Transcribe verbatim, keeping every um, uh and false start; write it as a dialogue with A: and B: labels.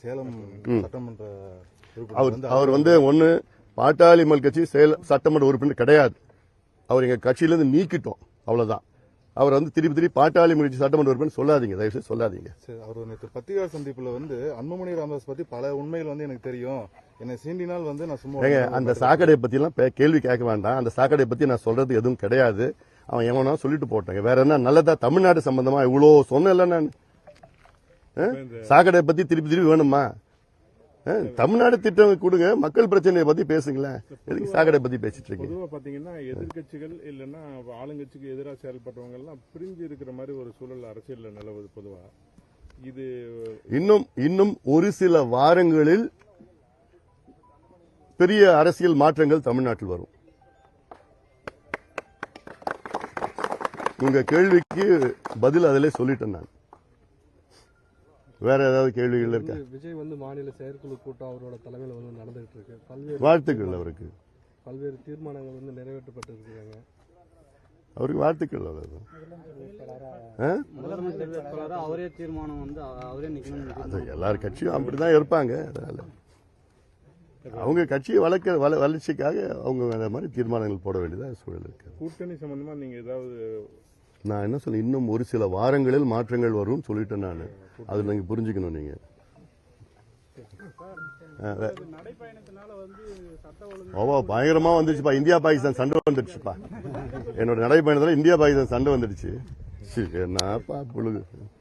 A: சேலம் சட்டமன்ற
B: அவர் அவர் வந்து ஒன்னு பாட்டாளி மக்கள் கட்சி சேலம் சட்டமன்ற உறுப்பினர் கிடையாது. அவர் எங்க கட்சியிலிருந்து நீக்கிட்டோம், அவ்வளவுதான். அவர் வந்து திருப்பி திருப்பி பாட்டாளி மக்கள் சட்டமன்ற உறுப்பினர் சொல்லாதீங்க, தயவுசெய்து சொல்லாதீங்க.
A: அவர் நேற்று பத்திரிகை சந்திப்புல வந்து அன்புமணி ராமதாஸ் பத்தி பல உண்மைகள் வந்து எனக்கு தெரியும், என்னை சீண்டினால் வந்து நான் சும்மா
B: அந்த சாக்கடை பத்தி எல்லாம் கேள்வி கேட்க வேண்டாம். அந்த சாக்கடை பத்தி நான் சொல்றது எதுவும் கிடையாது. அவன் எவனா சொல்லிட்டு போட்டாங்க. வேற என்ன நல்லதா தமிழ்நாடு சம்பந்தமா இவ்வளவு சொன்னல நான் சாக்கடை பத்தி திருப்பி திருப்பி வேணுமா? தமிழ்நாடு திட்டம் கொடுங்க, மக்கள் பிரச்சனையை பத்தி பேசுங்களேன். எதுக்கு சாக்கடை பத்தி பேசிட்டு இருக்கீங்க?
C: பொதுவா பாத்தீங்கன்னா எதிர்கட்சிகள் இல்லைன்னா ஆளுங்கட்சிக்கு எதிராக செயல்பட்டவங்க எல்லாம் பிரிஞ்சு இருக்கிற மாதிரி ஒரு சூழல் அரசியல் நிலவுது பொதுவா. இது
B: இன்னும் இன்னும் ஒரு சில வாரங்களில் பெரிய அரசியல் மாற்றங்கள் தமிழ்நாட்டில் வரும். உங்க கேள்விக்கு பதில் அதிலே சொல்லிட்டேன் நான். வேற ஏதாவது கேள்விகள் இருக்கா?
D: விஜய் வந்து மாநில செயற்குழு கூட்டம் அவரோட தலைமையில் வந்து நடந்துகிட்டு இருக்கு. பல்வேறு
B: வாழ்த்துக்கள் அவருக்கு.
D: பல்வேறு தீர்மானங்கள் வந்து நிறைவேற்றப்பட்டு இருக்காங்க.
B: அவருக்கு வாழ்த்துக்கள். அவ்வளவுதான்.
E: அவரே தீர்மானம் வந்து அவரே நிக்கணும்.
B: எல்லார் கட்சியும் அப்படிதான் இருப்பாங்க. அதனால அவங்க கட்சியை வளர்க்க வளர்ச்சிக்காக அவங்க அந்த மாதிரி தீர்மானங்கள் போட வேண்டியதா சூழல் இருக்கு.
C: கூட்டணி சம்பந்தமா நீங்க ஏதாவது?
B: நான் என்ன சொல்ல, இன்னும் ஒரு சில வாரங்களில் மாற்றங்கள் வரும் சொல்லிட்டேன் நான். அது நீங்க புரிஞ்சுக்கணும். நீங்க ஓவா பயங்கரமா வந்துருச்சுப்பா. இந்தியா பாகிஸ்தான் சண்டை வந்துடுச்சுப்பா. என்னோட நடைப்பயணத்துல இந்தியா பாகிஸ்தான் சண்டை வந்துடுச்சு. என்னப்பா புழுகு.